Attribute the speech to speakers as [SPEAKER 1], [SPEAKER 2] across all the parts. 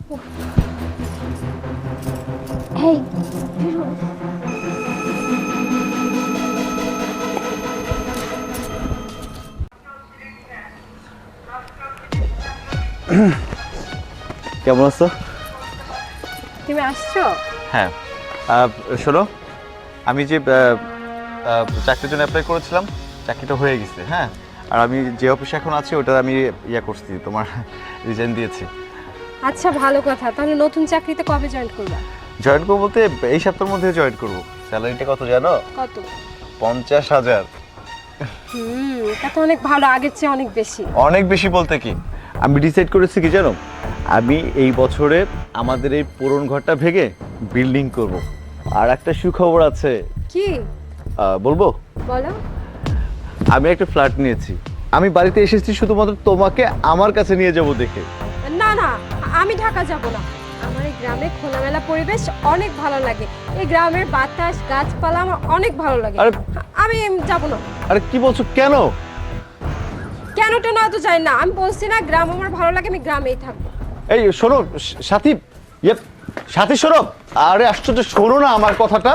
[SPEAKER 1] এই
[SPEAKER 2] কেমন আছো?
[SPEAKER 1] তুমি আসছো?
[SPEAKER 2] হ্যাঁ, শোনো, আমি যে চাকরির জন্য অ্যাপ্লাই করেছিলাম, চাকরিটা হয়ে গেছে। হ্যাঁ, আর আমি যে অফিসে এখন আছি ওটা আমি করছি, তোমার রিজাইন দিয়েছি।
[SPEAKER 1] আচ্ছা, ভালো কথা। তাহলে নতুন চাকরিতে কবে জয়েন করবা?
[SPEAKER 2] জয়েন করবো বলতে এই সপ্তাহের মধ্যে জয়েন করবো। স্যালারিটা কত জানো?
[SPEAKER 1] কত?
[SPEAKER 2] 50,000।
[SPEAKER 1] এটা তো অনেক ভালো, আগের চেয়ে অনেক বেশি।
[SPEAKER 2] অনেক বেশি বলতে কি, আমি ডিসাইড করেছি কি জানো, আমি এই বছরে আমাদের এই পুরনো ঘরটা ভেঙে বিল্ডিং করব। আর একটা সুখবর আছে।
[SPEAKER 1] কি?
[SPEAKER 2] বলবো?
[SPEAKER 1] বলো।
[SPEAKER 2] আমি একটা ফ্ল্যাট নিয়েছি। আমি বাড়িতে এসেছি শুধুমাত্র তোমাকে আমার কাছে নিয়ে যাব দেখে।
[SPEAKER 1] না না, আমি ঢাকা যাব না। আমার এই গ্রামে খোলামেলা পরিবেশ অনেক ভালো লাগে। এই গ্রামের বাতাস, গাছপালা আমার অনেক ভালো লাগে।
[SPEAKER 2] আরে
[SPEAKER 1] আমি যাব না।
[SPEAKER 2] আরে কি বলছো, কেন?
[SPEAKER 1] কেনটা না তো জানি না, আমি বলছি না গ্রাম আমার ভালো লাগে, আমি গ্রামেই থাকবো।
[SPEAKER 2] এই শোনো সাথী, সাথী শোনো। আরে আশ্চর্য, শোনো না আমার কথাটা।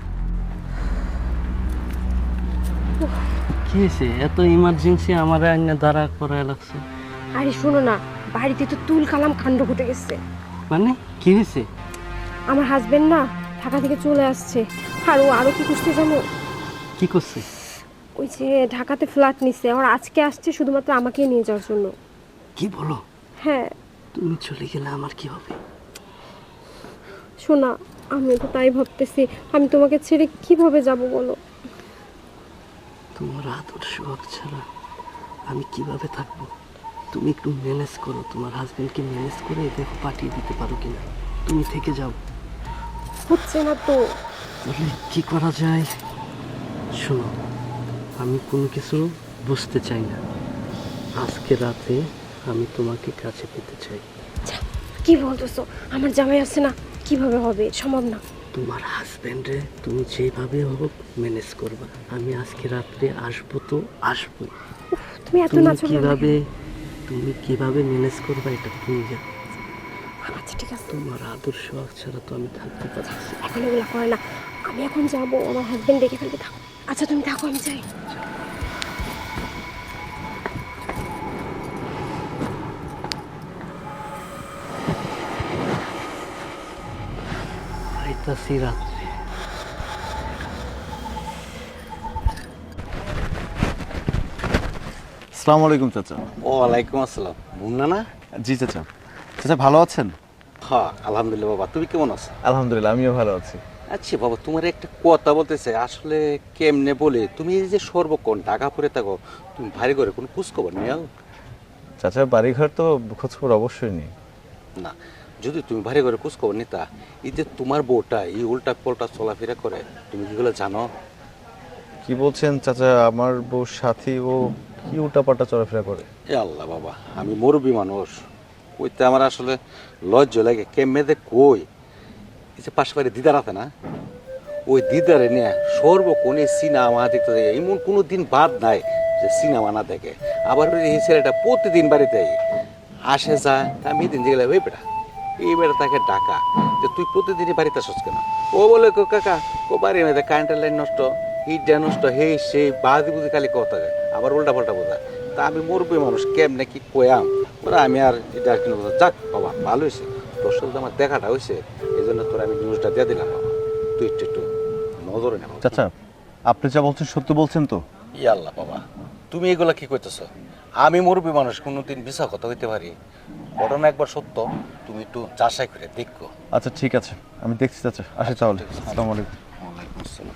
[SPEAKER 3] কি হয়েছে? এত ইমার্জেন্সি আমার আইনে দাঁড়া করে লাগছে।
[SPEAKER 1] আরে শোনো না, বাড়িতে তো তুল কালাম কাণ্ড ঘটে গেছে।
[SPEAKER 3] মানে কি হয়েছে?
[SPEAKER 1] আমার হাজবেন্ড না ঢাকা থেকে চলে আসছে। আর ও আরো কি করতে জানো?
[SPEAKER 3] কি করছে?
[SPEAKER 1] ওই যে ঢাকাতে ফ্ল্যাট নিছে, আর আজকে আসছে শুধুমাত্র আমাকে নিয়ে যাওয়ার জন্য।
[SPEAKER 3] কি বলো?
[SPEAKER 1] হ্যাঁ।
[SPEAKER 3] তুমি চলে গেলে আমার কি হবে?
[SPEAKER 1] শোনা, আমি তো তাই ভাবতেছি, আমি তোমাকে ছেড়ে কিভাবে যাব বলো?
[SPEAKER 3] তোমার আদর্শ হক ছাড়া আমি কিভাবে থাকবো? তুমি একটু ম্যানেজ করো, তোমার হাজবেন্ডকে ম্যানেজ করে দেখো পাঠিয়ে দিতে পারো কিনা। তুমি থেকে যাও।
[SPEAKER 1] হচ্ছে না তো।
[SPEAKER 3] তাহলে কি করা যায়? শোনো, আমি কোনো কিছু বুঝতে চাই না। আজকে রাতে আমি তোমাকে কাছে পেতে চাই।
[SPEAKER 1] কি বলতেছো? আমার জামাই আছে না, কিভাবে হবে? সম্ভব না।
[SPEAKER 3] তোমার হাজবেন্ডে তুমি যেভাবে হোক ম্যানেজ করবা। আমি আজকে রাত্রে আসবো তো আসবো।
[SPEAKER 1] তুমি এত
[SPEAKER 3] তুমি
[SPEAKER 1] নাচো
[SPEAKER 3] কিভাবে ম্যানেজ করবা এটা তুমি জানো।
[SPEAKER 1] আচ্ছা ঠিক আছে।
[SPEAKER 3] তোমার আদর্শ ছাড়া তো আমি থাকতে পারছি না।
[SPEAKER 1] এখন এগুলো করে না, আমি এখন যাবো, আমার হাজবেন্ড ডেকে ফেলবে। থাকো। আচ্ছা তুমি থাকো, আমি যাই।
[SPEAKER 3] আইতাছি রাত্রে।
[SPEAKER 2] আসসালামু আলাইকুম চাচা।
[SPEAKER 4] ওয়ালাইকুম আসসালাম। মুন্না না?
[SPEAKER 2] জি চাচা। চাচা ভালো আছেন?
[SPEAKER 4] হ্যাঁ আলহামদুলিল্লাহ। বাবা তুমি কেমন আছো?
[SPEAKER 2] আলহামদুলিল্লাহ, আমিও ভালো আছি।
[SPEAKER 4] আচ্ছা বাবা, তোমার একটা কথা বলতেছে, আসলে কেমনে বলে, তুমি এই যে সর্বক্ষণ ঢাকা পড়ে থাকো, তুমি ভারী করে কোনো খোঁজ খবর নিও
[SPEAKER 2] চাচা বাড়িঘর তো খোঁজখবর অবশ্যই নেই।
[SPEAKER 4] না? যদি তুমি ভারী করে খোঁজ খবর নিতা, এই যে তোমার বউটা এই উল্টা পাল্টা চলাফেরা করে, তুমি কিগুলো জানো?
[SPEAKER 2] কি বলছেন চাচা? আমার বউ সাথী ও কি উল্টাপাল্টা চলাফেরা করে?
[SPEAKER 4] এ আল্লাহ বাবা, আমি মুরব্বী মানুষ, কইতে আমার আসলে লজ্জা লাগে। কেমনে কই, এই যে পাশে বাড়ি দিদার আছে না, ওই দিদারে নিয়ে সর্বক্ষণ এই সিনেমা দেখতে থাকে। এমন কোনো দিন বাদ নাই যে সিনেমা না দেখে। আবার ওই এই ছেলেটা প্রতিদিন বাড়িতে আসে যায়। আমি দিন গেলে ওই বেটা, এই বেটা তাকে ডাকা যে তুই প্রতিদিনই বাড়িতে আসছ কেন? ও বলে কো কাকা, কো বাড়ির মধ্যে কারেন্টের লাইন নষ্ট, হিটটা নষ্ট, হে সেই বাদি বুঝি খালি কথা যায়, আবার উল্টা পাল্টা বোঝায়। তা আমি মুরব্বী মানুষ, কেমনে কি কয়াম ওরা, আমি আর এটা আর কিনে যাক বাবা, ভালো হয়েছে তোর সাথে আমার দেখাটা হয়েছে, এই জন্য তোর আমি নিউজটা দিয়ে দিলাম বাবা, তুই একটু নজরে নেব।
[SPEAKER 2] চাচা আপনি যা বলছেন সত্য বলছেন তো?
[SPEAKER 4] ই আল্লাহ বাবা, তুমি এগুলা কি কইতেছ? আমি মুরব্বী মানুষ, কোনোদিন মিছা কথা হইতে পারি? ঘটনা একবার সত্য, তুমি একটু যাচাই করে দেখো।
[SPEAKER 2] আচ্ছা ঠিক আছে, আমি দেখছি চাচা। আসি তাহলে। আসসালামু আলাইকুম।
[SPEAKER 4] ওয়ালাইকুম আসসালাম।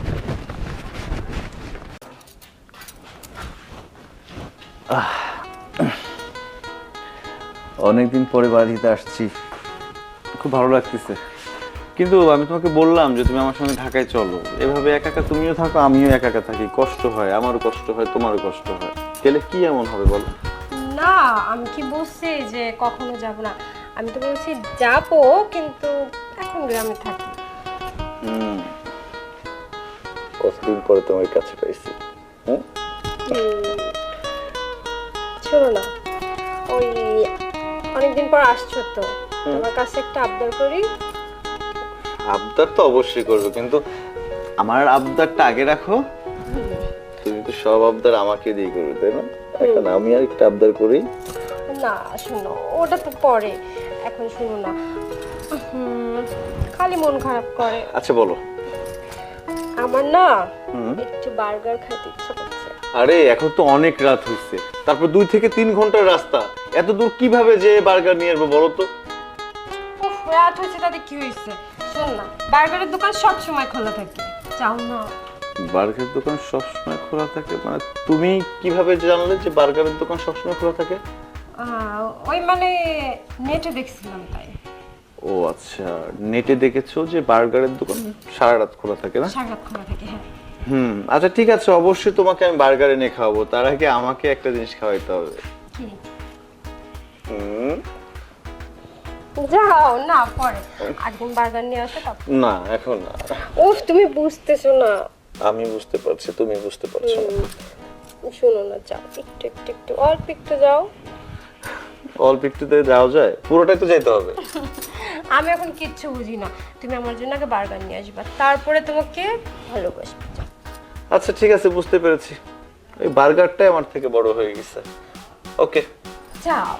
[SPEAKER 2] অনেকদিন পরে বাড়িতে আসছি, খুব ভালো লাগতেছে। কিন্তু আমি তোমাকে বললাম যে তুমি আমার সঙ্গে ঢাকায় চলো। এভাবে একা একা তুমিও থাকো, আমিও একা একা থাকি, কষ্ট হয়, আমারও কষ্ট হয়, তোমারও কষ্ট হয়। গেলে কি এমন হবে বলো?
[SPEAKER 1] না, আমি কি বলছি যে কখনো যাব না? আমি তো বলছি যাবো, কিন্তু এখন গ্রামে থাকি।
[SPEAKER 2] কতদিন পরে তোমার কাছে পাইছি।
[SPEAKER 1] শোনো না, ওই অনেকদিন পর আসছো তো, তোমার কাছে একটা আবদার করি।
[SPEAKER 2] আবদার তো অবশ্যই করবো, কিন্তু আমার আবদারটা আগে রাখো। তুমি তো সব আবদার আমাকে দিয়ে করবে, তাই না? এখন আমি আর একটা আবদার করি।
[SPEAKER 1] না শোনো, ওটা তো পরে, এখন শোনো না। খালি মন খারাপ করে।
[SPEAKER 2] আচ্ছা বলো।
[SPEAKER 1] আমার না একটু বার্গার খেতে ইচ্ছা করছে।
[SPEAKER 2] আরে এখন তো অনেক রাত হয়েছে, তারপর 2 থেকে 3 ঘন্টার রাস্তা, এত দূর কিভাবে যে বার্গার নিয়ে আসবো বলো তো?
[SPEAKER 1] উফ, রাত হয়েছে তাতে কি হয়েছে? শোন না, বার্গারের দোকান সব সময় খোলা থাকে, যাও না।
[SPEAKER 2] বার্গারের দোকান সবসময় খোলা থাকে মানে তুমি কিভাবে জানলে যে বার্গারের দোকান সবসময় খোলা থাকে?
[SPEAKER 1] ওই মানে নেটে দেখছিলাম তাই।
[SPEAKER 2] ও আচ্ছা, নেটে দেখেছো যে বার্গারের দোকান সারা রাত খোলা থাকে না?
[SPEAKER 1] সারা রাত খোলা থাকে, হ্যাঁ।
[SPEAKER 2] আচ্ছা ঠিক আছে, অবশ্যই তোমাকে আমি বার্গার এনে খাওয়াবো। তার আগে আমাকে একটা জিনিস খাওয়াইতে হবে।
[SPEAKER 1] কি?
[SPEAKER 2] হুম,
[SPEAKER 1] যাও না, পরে একদিন বার্গার নিয়ে আসো তারপর।
[SPEAKER 2] না এখন না।
[SPEAKER 1] উফ, তুমি বুঝতেছো না।
[SPEAKER 2] আমি বুঝতে পারছি, তুমি বুঝতে পারছো না।
[SPEAKER 1] শোনো না, যাও একটু একটু একটু অল্প একটু যাও।
[SPEAKER 2] অল্প একটুতে যাওয়া যায়? পুরোটাই তো যেতে হবে।
[SPEAKER 1] আমি এখন কিচ্ছু বুঝি না, তুমি আমার জন্য আগে বার্গার নিয়ে আসবা, তারপরে তোমাকে ভালোবাসবো। যাও।
[SPEAKER 2] আচ্ছা ঠিক আছে, বুঝতে পেরেছি। এই বার্গারটাই আমার থেকে বড় হয়ে গেছে। ওকে
[SPEAKER 1] যাও।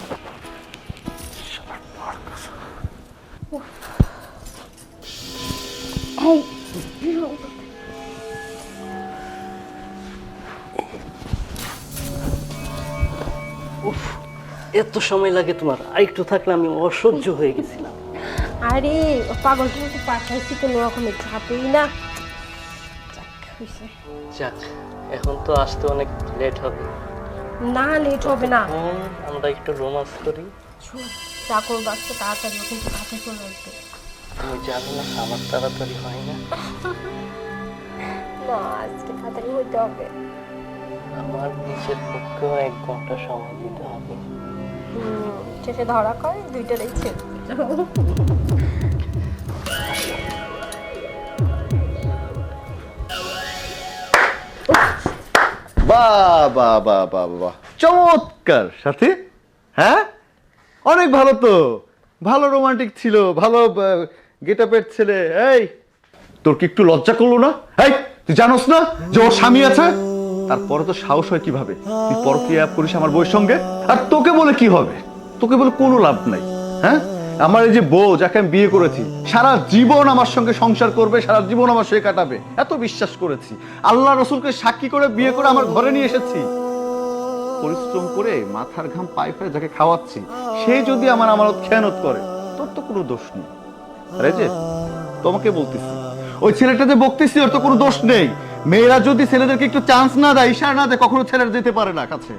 [SPEAKER 3] উফ, এত সময় লাগে তোমার? আর একটু থাকলে আমি অসহ্য হয়ে গেছিলাম।
[SPEAKER 1] আরে পাগলটা তো পাঠাইছি কোনো রকমের চাপেই না। যাক, হইছে।
[SPEAKER 3] যাক, এখন তো আসতে অনেক লেট হবে।
[SPEAKER 1] না, লেট হবে না।
[SPEAKER 3] আমরা একটু রোমান্স করি।
[SPEAKER 1] শোন, যা করবো আজকে তাড়াতাড়ি, কিন্তু তাড়াতাড়ি চলে আসবে।
[SPEAKER 3] তুমি জানো না আমার তাড়াতাড়ি হয় না।
[SPEAKER 1] না, আজকে তাড়াতাড়ি হইতে হবে।
[SPEAKER 3] আমার নিজের পক্ষেও 1 ঘন্টা সময় দিতে হবে।
[SPEAKER 1] শেষে ধরা করে দুইটারই ছেড়ে।
[SPEAKER 2] বাহ বাহ বাহ বাহ বাহ, চমৎকার সাথী। হ্যাঁ, অনেক ভালো তো, ভালো রোমান্টিক ছিল, ভালো গেটআপের ছেলে। এই তোর কি একটু লজ্জা করলো না? এই তুই জানোস না যে ওর স্বামী আছে? তারপরে তো সাহস হয় কিভাবে তুই পরকীয়া করিস আমার বউয়ের সঙ্গে? আর তোকে বলে কি হবে? তোকে বলে কোনো লাভ নাই। হ্যাঁ, আমার এই যে বউ যাকে আমি বিয়ে করেছি, সারা জীবন আমার সঙ্গে সংসার করবে, সারা জীবন আমার সঙ্গে কাটাবে, এত বিশ্বাস করেছি। আল্লাহ রসুলকে সাক্ষী করে বিয়ে করে আমার ঘরে নিয়ে এসেছি। পরিশ্রম করে মাথার ঘাম পায়ে ফেলে যাকে খাওয়াচ্ছি, সে যদি আমার আমানত খেয়ানত করে, তোর তো কোনো দোষ নেই। আরে যে তোমাকে বলতেছি, ওই ছেলেটা যে বকতেছি, ওর তো কোনো দোষ নেই। মেয়েরা যদি ছেলেদেরকে একটু চান্স না দেয়, ইশারা না দেয়, কখনো ছেলেরা যেতে পারে না কাছে।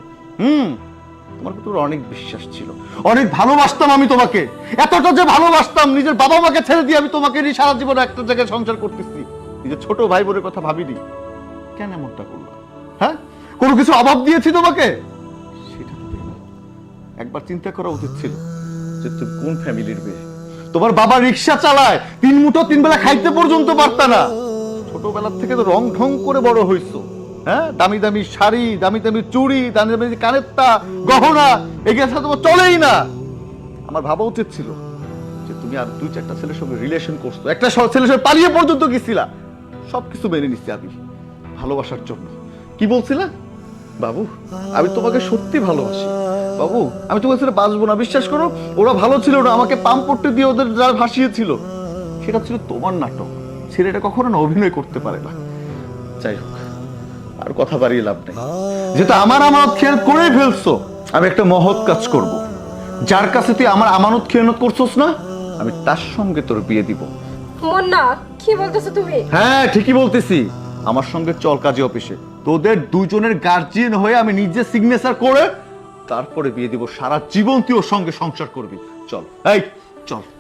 [SPEAKER 2] তোমার প্রতি অনেক বিশ্বাস ছিল, অনেক ভালোবাসতাম আমি তোমাকে। এতটা যে ভালোবাসতাম, নিজের বাবা মাকে ছেড়ে দিয়ে আমি তোমাকে নিয়ে সারা জীবন একটা জায়গায় সংসার করতেছি। নিজের ছোট ভাই বোনের কথা ভাবিনি। কেন এমনটা করলো? হ্যাঁ, কোনো কিছু অভাব দিয়েছি তোমাকে? সেটা তো দেয়নি। একবার চিন্তা করা উচিত ছিল যে তুমি কোন ফ্যামিলির মেয়ে। তোমার বাবা রিক্সা চালায়, 3 মুঠো 3 বেলা খাইতে পর্যন্ত পারতা না। ছোটবেলা থেকে তো রং ঢং করে বড় হইছো। হ্যাঁ, দামি দামি শাড়ি, দামি দামি চুড়ি, দামি দামি কানেরটা, গহনা, এগুলো সাথে তোমার চলেই না। আমার ভাবা উচিত ছিল যে তুমি আর 2-4টা ছেলের সঙ্গে রিলেশন করছো, একটা ছেলের সঙ্গে পালিয়ে পর্যন্ত গেছিলা। সবকিছু মেনে নিচ্ছি আমি ভালোবাসার জন্য। কি বলছিলা? বাবু, আমি তোমাকে সত্যি ভালোবাসি। বাবু, আমি তোমার ছেলে বাঁচবো না, বিশ্বাস করো। ওরা ভালো ছিল না, আমাকে পাম পট্টি দিয়ে ওদের যারা ভাসিয়েছিল, সেটা ছিল তোমার নাটক। ছেলেটা কখনো না অভিনয় করতে পারে না। যাই হোক, আর কথা বাড়িয়ে লাভ নেই। যেটা আমার আমানত খেয়ানত করেই ফেলছো, আমি একটা মহৎ কাজ করব। যার কাছে তুই আমার আমানত খেয়ানত করছস না, আমি তার সঙ্গে তোর বিয়ে দিব।
[SPEAKER 1] মুন্না, কি বলতেছো তুমি?
[SPEAKER 2] হ্যাঁ, ঠিকই বলতেছি। আমার সঙ্গে চল কাজী অফিসে, তোদের দুজনের গার্জিয়ান হয়ে আমি নিজে সিগনেচার করে তারপরে বিয়ে দিব। সারা জীবন তুই ওর সঙ্গে সংসার করবি। চল, এই চল।